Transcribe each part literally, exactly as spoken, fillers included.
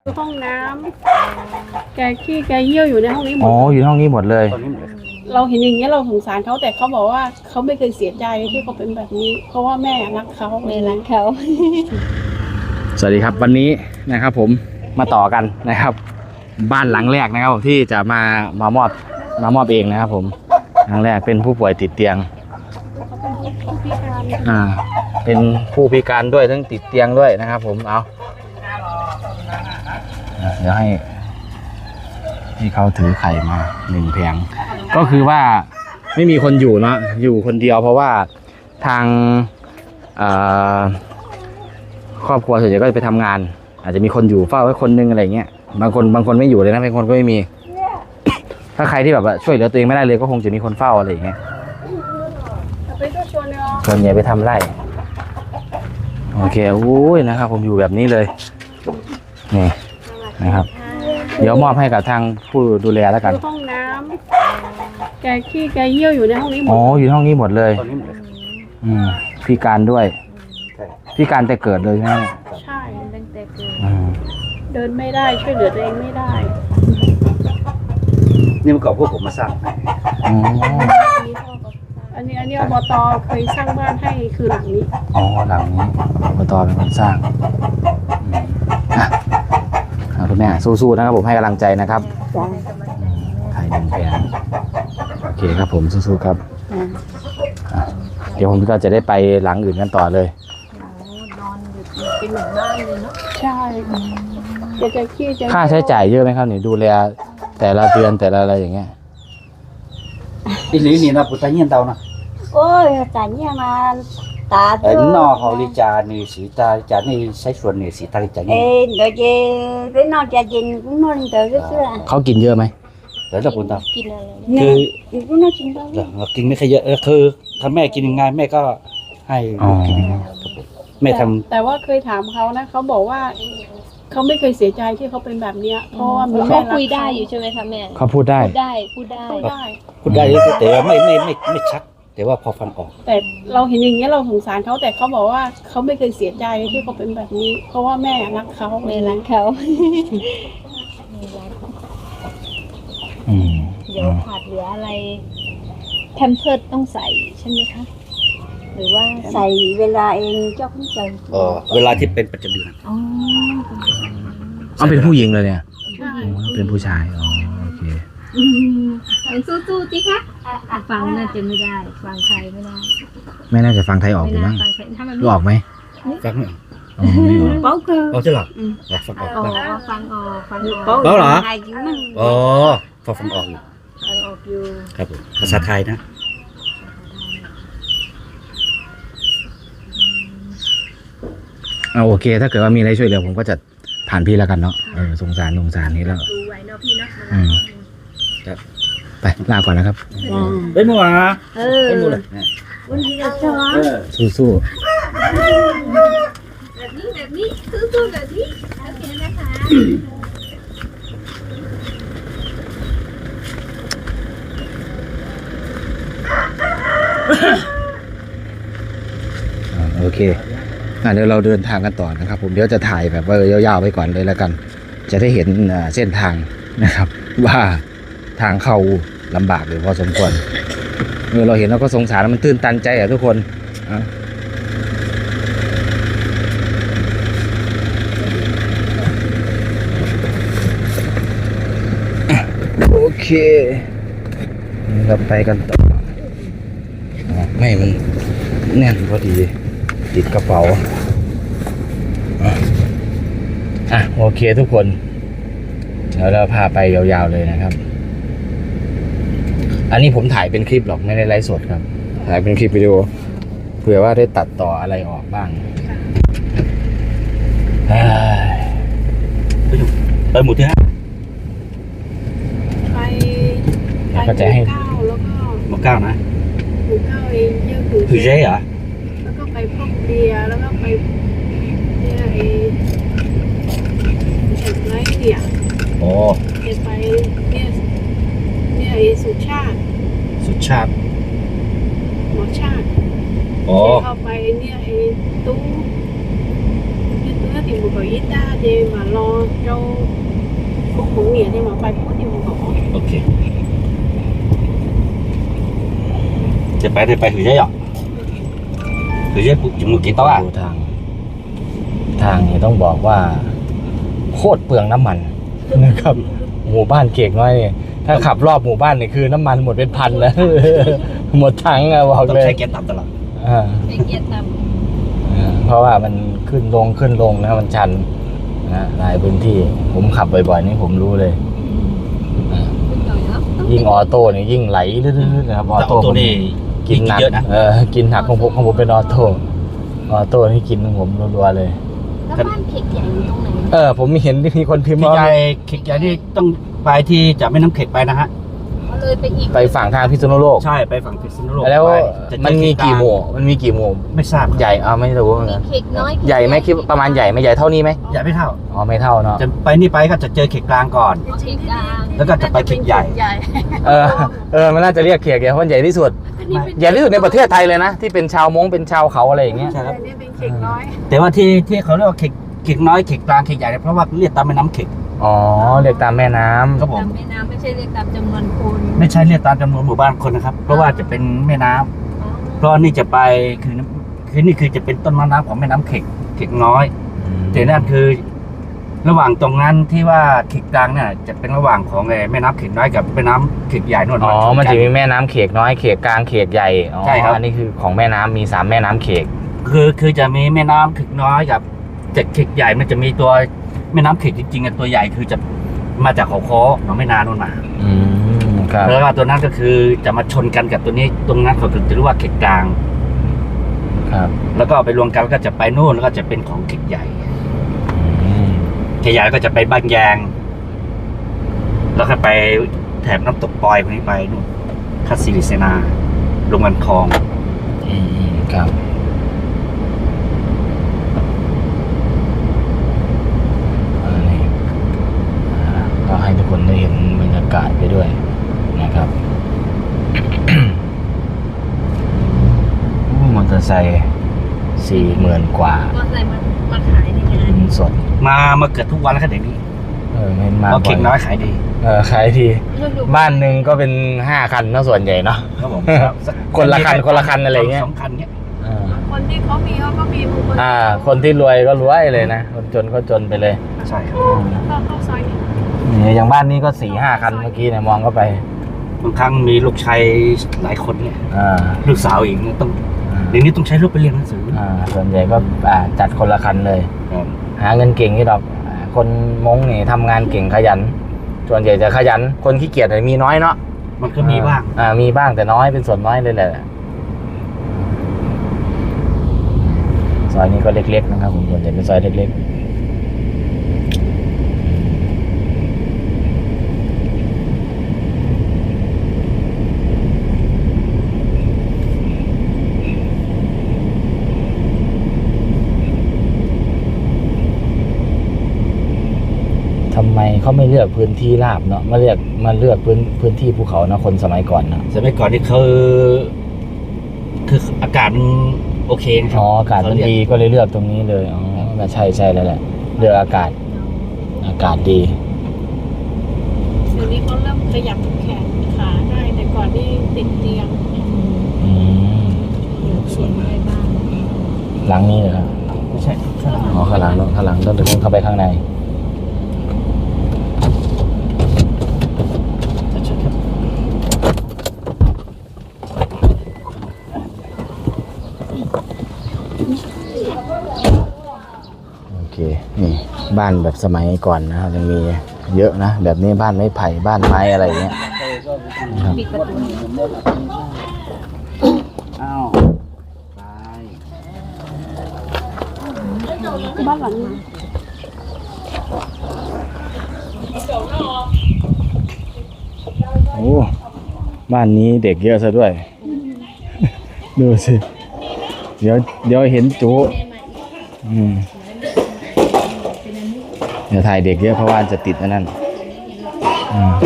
ห้องน้ำแกขี้แกเยี่ยวอยู่ในห้องนี้หมดอ๋ออยู่ห้องนี้หมดเลยเราเห็นอย่างนี้เราสงสารเขาแต่เขาบอกว่าเขาไม่เคยเสียใจที่เขาเป็นแบบนี้เพราะว่าแม่รักเขาแม่รักเขาสวัสดีครับวันนี้นะครับผมมาต่อกันนะครับบ้านหลังแรกนะครับที่จะมามามอบมามอบเองนะครับผมหลังแรกเป็นผู้ป่วยติดเตียงอ่าเป็นผู้พิการด้วยทั้งติดเตียงด้วยนะครับผมเอาเดี๋ยวให้ให้เขาถือไข่มาหนึ่งแผงก็คือว่าไม่มีคนอยู่เนาะอยู่คนเดียวเพราะว่าทางครอบครัวส่วนใหญ่ก็จะไปทำงานอาจจะมีคนอยู่เฝ้าไว้คนนึงอะไรเงี้ยบางคนบางคนไม่อยู่เลยนะบางคนก็ไม่มีถ้าใครที่แบบว่าช่วยเหลือตัวเองไม่ได้เลยก็คงจะมีคนเฝ้าอะไรอย่างเงี้ยส่วนใหญ่ไปทำไร่โอเคโอ้ยนะครับผมอยู่แบบนี้เลยนี่นะครับเดี๋ยวมอบให้กับทางผู้ดูแลแล้วกันห้องน้ำแกขี้แกเยี่ยวอยู่ในห้องนี้หมดอ๋ออยู่ห้องนี้หมดเลยอืมพิการด้วยพิการแต่เกิดเลยใช่ไหมใช่ตั้งแต่เกิดเดินไม่ได้ช่วยเหลือตัวเองไม่ได้นี่เมื่อก่อนพวกผมมาสร้างอ๋ออันนี้อันนี้อบตเคยสร้างบ้านให้คือหลังนี้อ๋อหลังนี้อบตเป็นคนสร้างคุณแม่สู้ๆนะครับผมให้กำลังใจนะครับไข่หนึ่งแผงโอเคครับผมสู้ๆครับเดี๋ยวผมก็จะได้ไปหลังอื่นกันต่อเลยนอนอยู่เป็นเหมือนบ้านเลยเนาะใช่จะจะขี้จะค่าใช้จ่ายเยอะไหมครับนี่ดูแลแต่ละเดือนแต่ละอะไรอย่างเงี้ยอีหลีนี่นะปุตตะเงียนเตานะโอ้ยจ่ายเนี่ยมาตาเอ็นนอเขาลิจานี่สีตาจานี่ใช้ส่วนนี่สีตาลิจานี่เอ้เดี๋ยวจะไปนอนจะกินก็นอนเดี๋ยวก็เสื้อเขากินเยอะไหมเดี๋ยวจะปุตตะกินอะไรคือก็น่ากินบ้างเรากินไม่ค่อยเยอะคือถ้าแม่กินยังไงแม่ก็ให้กินยังไงแม่ทำแต่ว่าเคยถามเขานะเขาบอกว่าเขาไม่เคยเสียใจที่เขาเป็นแบบนี้เพราะว่าแม่คุยได้อยู่ใช่ไหมคะแม่เขาพูดได้พูดได้พูดได้พูดได้แต่ว่าไม่ไม่ไม่ไม่ชัดแต่ว่าพอฟังออกแต่เราเห็นอย่างนี้เราสงสารเขาแต่เขาบอกว่าเขาไม่เคยเสียใจที่เขาเป็นแบบนี้เพราะว่าแม่รักเขาแม่รักเขาเดี๋ยวขาดเหลืออะไรแพมเพิร์สต้องใส่ใช่ไหมคะหรือว่าใส่เวลาเองเจ้าคุณใจอ๋อเวลาที่เป็นประจำเดือนอ๋ออ๋อเป็นผู้หญิงเลยเนี่ยใช่เป็นผู้ชายอ๋อโอเคสู้ๆจิคะฟังน่าจะไม่ได้ฟังไทยไม่ได้ไม่น่าจะฟังไทยออกอยู่มั้งรู้ออกไหมฟังไม่ออกอ๋อไม่ออกเป้าเกอเอาจะหรอฟังออกอ๋อฟังออกฟังออกเป้าเหรออ๋อพอฟังออกอยู่ฟังออกอยู่ครับผมภาษาไทยนะเอาโอเคถ้าเกิดว่ามีอะไรช่วยเหลือผมก็จะผ่านพี่แล้วกันเนาะเออสงสารสงสารนี้แล้วดูไว้เนาะพี่เนาะอืมครับไปลาก่อนนะครับไปมัวเออไปมัวเลยวันนี้เราจะสู้สู้แบบนี้แบบนี้สู้ๆแบบนี้โอเคนะคะโอเคเดี๋ยวเราเดินทางกันต่อนะครับผมเดี๋ยวจะถ่ายแบบว่ายาวๆไปก่อนเลยแล้วกันจะได้เห็นเส้นทางนะครับว่าทางเข้าลำบากหรือพอสมควรเมื่อเราเห็นเราก็สงสารมันตื้นตันใจอ่ะทุกคนโอเคเราไปกันต่อไม่มันแน่นพอดีติดกระเป๋าอ่ะโอเคทุกคนเดี๋ยวเราพาไปยาวๆเลยนะครับอันนี้ผมถ่ายเป็นคลิปหรอกไม่ได้ไลฟ์สดครับถ่ายเป็นคลิปวิดีโอเผื่อว่าได้ตัดต่ออะไรออกบ้างไปหมู่ที่ห้าไปก็จะให้เก้าแล้วก็หมู่เก้านะหมู่เก้าเองเยอะคือคือใช่เหรอแล้วก็ไปพวกเบียร์แล้วก็ไปเนี่ยไอ้ไรเนี่ยโอ้ไปเนี่ยเนี่ยไอ้สุชาติสุชาติหมอชาติโอ้เข้าไปเนี่ยไอ้ตู้เนี่ยตู้ nó thì một cái ít ta thì mà lo cho cũng cũng nghĩa thì mà phải phút thì một cái โอเคจะไปได้ไปถือใช่หรอถือใช่ปุ๊บจมูกกี่โต๊ะอ่ะดูทาง ทางนี่ต้องบอกว่า โคตรเปลืองน้ำมัน นะครับ หมู่บ้านเก่งน้อยเนี่ยถ้าขับรอบหมู่บ้านนี่คือน้ำมันหมดเป็นพันแล้ว หมดถังอะบอกต้องเลยใช้เกียร์ต่ำตลอดอ่าไอเกียรติต่อ่าเพราะว่ามันขึ้นลงขึ้นลงนะมันชันนะหลายพื้นที่ ผมขับบ่อยๆนี่ผมรู้เลยอ่าำหน่อยเนาะยิ่งออโต้นี่ยิ่งไหลลื่นๆนะครับออแต่โต้ตัวนี้กินหนักเยอะนะเออกินหนักของผมของผมเป็นออโต้ออโต้นี่กินของผมรัวๆเลยแล้วบ้านเข็กใหญ่อยู่ตรงไหนเออผมมีเห็นมีคนพิมพ์พี่ว่าใหญ่เข็กใหญ่นี่ต้องไปที่จะไม่น้ำเข็กไปนะฮะเขาเลยไปอีกไปฝั่งทางพิษณุโลกใช่ไปฝั่งพิษณุโลกแล้วไปจะเจอมันมีกี่หเขมู่มันมีกี่หมู่ไม่ทราบใหญ่เอาไม่รู้เหมือนมีกันเข็กน้อยใหญ่ไหมคิดประมาณใหญ่ไหมใหญ่เท่านี้ไหมใหญ่ไม่เท่าอ๋อไม่เท่าเนาะจะไปนี่ไปก็จะเจอเข็กกลางก่อนเข็กกลางแล้วก็จะไปเข็กใหญ่เออเออมันน่าจะเรียกเขียกใหญ่เพราะมันใหญ่ที่สุดใหญ่ที่สุดในประเทศไทยเลยนะที่เป็นชาวมงเป็นชาวเขาอะไรอย่างเงี้ยใช่ครับนี่เป็นเข็กน้อยแต่ว่าที่ที่เขาเรียกว่าเข็กเข็กน้อยเข็กกลางเข็กใหญ่เนี่ยเพราะว่าเรียกตามแม่น้ำเข็กอ๋อเรียกตามแม่น้ำครับผมตามแม่น้ำไม่ใช่เรียกตามจำนวนคนไม่ใช่เรียกตามจำนวนหมู่บ้านคนนะครับ เพราะว่าจะเป็นแม่น้ำเพราะนี่จะไปคือคือนี่คือจะเป็นต้นมะน้ำของแม่น้ำเข็กเข็กน้อยแต่นั่นคือ ระหว่างตรงนั้นที่ว่าเข็กกลางเนี่ยจะเป็นระหว่างของแม่น้ำเข็กน้อยกับแม่น้ำเข็กใหญ่นวลอ๋อมันจะมีแม่น้ำเขกน้อยเขกกลางเขกใหญ่อ๋อใช่ครับอันนี้คือของแม่น้ำมีสามแม่น้ำเขกคือคือจะมีแม่น้ำเข็กน้อยกับเจ็ดเข็กใหญ่มันจะมีตัวแม่น้ำเข็กจริงๆอ่ะตัวใหญ่คือจะมาจากเขาค้อหนองไม่นานนมาอืมครับแล้วก็ตัวนั้นก็คือจะมาชนกันกับตัวนี้ตรงนั้นเขาถึงจะเรียกว่าเข็กกลางครับแล้วก็ไปรวมกันแล้วก็จะไปนู่นแล้วก็จะเป็นของเข็กใหญ่อืมเข็กใหญ่ก็จะไปบ้านแยง แล้วก็ไปแถบน้ำตกปอยพวกนี้ไปนู่นคัสซิลิเซนาลงมันคลองอืมครับอันนี้อ่าก็ให้ทุกคนได้เห็นบรรยากาศไปด้วยนะครับ โอ้มอเตอร์ไซค์สี่หมื่นกว่าก็ใส่มามาขายในงานเงินสดมามาเกิดทุกวันแล้วก็เดี๋ยวนี้เออเห็นมาเพราะเข็กน้อยขายดีเออขายทีบ้านหนึ่งก็เป็นห้าคันเนอะส่วนใหญ่เนาะครับผมคนละคันคนละคันอะไรเงี้ยสองคันเงี้ยอ่าคนที่เขามีเขาก็มีบางคนอ่า คนที่รวยก็รวยเลยนะคนจนก็จนไปเลยใช่ครับเข้าเข้าซอยนี้นี่อย่างบ้านนี้ก็สี่ห้าคันเมื่อกี้เนี่ยมองเข้าไปบางครั้งมีลูกชายหลายคนเนี่ยอ่าลูกสาวอีกเนี่ยต้องเดี๋ยวนี้ต้องใช้ลูกไปเรียนหนังสืออ่าส่วนใหญ่ก็อ่าจัดคนละคันเลยครับหาเงินเก่งนี่ดอกอ่าคนมงนี่ทำงานเก่งขยัน ส่วนใหญ่จะขยัน คนขี้เกียจเนี่ยมีน้อยเนาะมันก็มีบ้างอ่ามีบ้างแต่น้อยเป็นส่วนน้อยเลยแหละซอยนี้ก็เล็กๆนะครับผมส่วนใหญ่เป็นซอยเล็กๆทำไมเขาไม่เลือกพื้นที่ราบเนาะมาเลือกมาเลือกพื้นพื้นที่ภูเขานะคนสมัยก่อนเนาะสมัยก่อนนี่เขาคืออากาศมันโอเคนะครัอ๋ออากาศมันดีก็เลยเลือกตรงนี้เลยอ๋อใช่ใช่แล้วแหละเลือกอากาศอากาศดีเดี๋ยวนี้เขาเริ่มขยับแขนขาได้แต่ก่อนนี่ติดเตียงอืมส่วนอะไรบ้างหลังนี้เหรอครับไม่ใช่ข้างหลังอ๋อข้างหลังเนอะข้างหลังต้องเดินเข้าไปข้างในชัดๆครับโอเคนี่บ้านแบบสมัยก่อนนะครับยังมีเยอะนะแบบนี้บ้านไม้ไผ่บ้านไม้อะไรอย่างเงี้ยนะครับปิดประตูอ้าวไปบ้านหลังนี้โอ้บ้านนี้เด็กเยอะซะด้วย ดูสิเดี๋ยวเดี๋ยวเห็นจุอืมเดี๋ยวถ่ายเด็กเยอะเพราะว่าจะติดอันนั้นอืม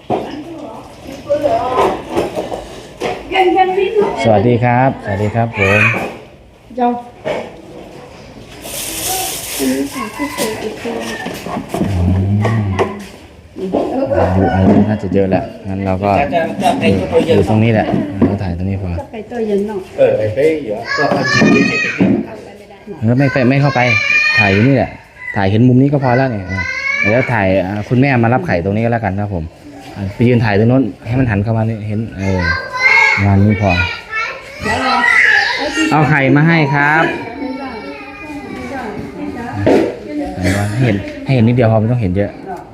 สวัสดีครับ สวัสดีครับผมเจ้าผู้สูงอีกทีอายุอายุน่าจะเยอะแล้วงั้นเราก็จะจะจะไอ้ตัวอเยอะยู่ตรงนี้แหละเราถ่ายตรงนี้พอก็ไปตัวเย็นเนาะเออไอ้เป้เยอะก็เอาจริงจริงจริงจริงเออไม่ไปไม่เข้าไปถ่ายอยู่นี่แหละถ่ายเห็นมุมนี้ก็พอแล้วเนี่ยอ่ะเดี๋ยวถ่ายอ่าคุณแม่มารับไข่ตรงนี้ก็แล้วกันครับผมอ่ะไปยืนถ่ายตรงโน้นให้มันหันเข้ามานี่เห็นเอองานนี้พอเอาไข่มาให้ครับให้เห็นให้เห็นนิดเดียวพอไม่ต้องเห็นเยอะ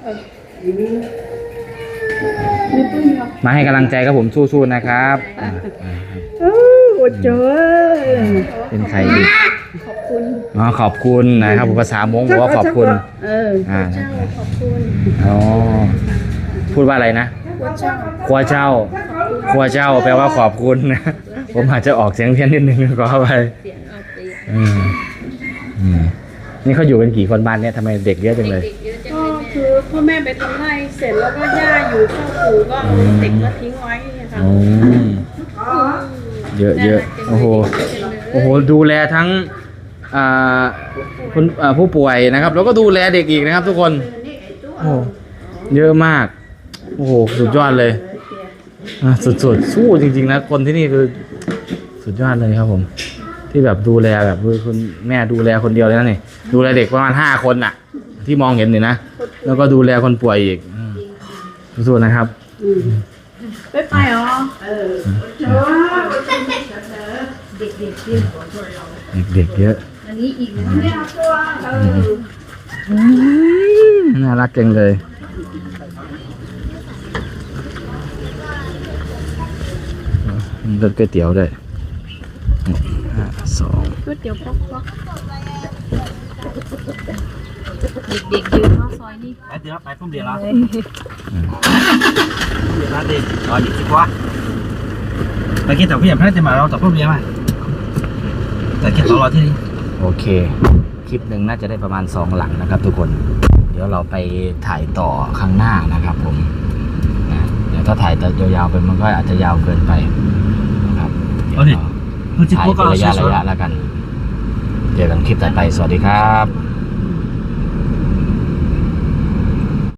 มาให้กำลังใจครับผมสู้ๆนะครับอ่าอ่าครับโอ้โหเจอเป็นใครดีขอบคุณอ๋อขอบคุณนะครับผมภาษามงบอกว่าขอบคุณเอออ่าเจ้าขอบคุณอ๋อพูดว่าอะไรนะว่าเจ้าครัวเจ้าครัวเจ้าแปลว่าขอบคุณนะผมอาจจะออกเสียงเพี้ยนนิดนึงก็เข้าไปอืมอืมนี่เขาอยู่กันกี่คนบ้านเนี่ยทำไมเด็กเยอะจังเลยก็คือพ่อแม่ไปทำไร่เสร็จแล้วก็ย่าอยู่เข้าปู่ก็เอาเด็กมาทิ้งไว้เนี่ยค่ะอืมเยอะเยอะโอ้โหโอ้โหดูแลทั้งอ่าคุณอ่าผู้ป่วยนะครับ แล้วก็ดูแลเด็กอีกนะครับ ทุกคนโอ้โหเยอะมากโอ้โหสุดยอดเลยอ่ะสุดๆสู้จริงๆนะคนที่นี่คือสุดยอดเลยครับผม ที่แบบดูแลแบบคือคุณแม่ดูแลคนเดียวเลยนะนี่ดูแลเด็กประมาณห้าคนน่ะ ที่มองเห็นนี่นะแล้วก็ดูแลคนป่วยอีกอืมสู้ๆนะครับไปไปอ๋อเออเด็กๆเยอะเด็กๆเยอะอันนี้อีกนะน่ารักจังเลยมีรถก๋วยเตี๋ยวด้วยห้าสองก๋วยเตี๋ยวป๊อกป๊อกเด็กๆเยอะเนาะซอยนี้ไปเดี๋ยวไปพุ่มเดียวแล้วเดี๋ยวนะดิรอดิสิวะไปกินแต่พี่อย่าพลาดจะมาเราต่อพุ่มเดียวมาแต่กินต่อรอที่นี่โอเค คลิปหนึ่งน่าจะได้ประมาณสองหลังนะครับ ทุกคน เดี๋ยวเราไปถ่ายต่อข้างหน้านะครับผมนะเดี๋ยวถ้าถ่ายแต่ยาวๆไปมันก็อาจจะยาวเกินไปนะครับเดี๋ยวเราถ่ายเป็นระยะระยะแล้วกันเจอกันคลิปต่อไปสวัสดีครับ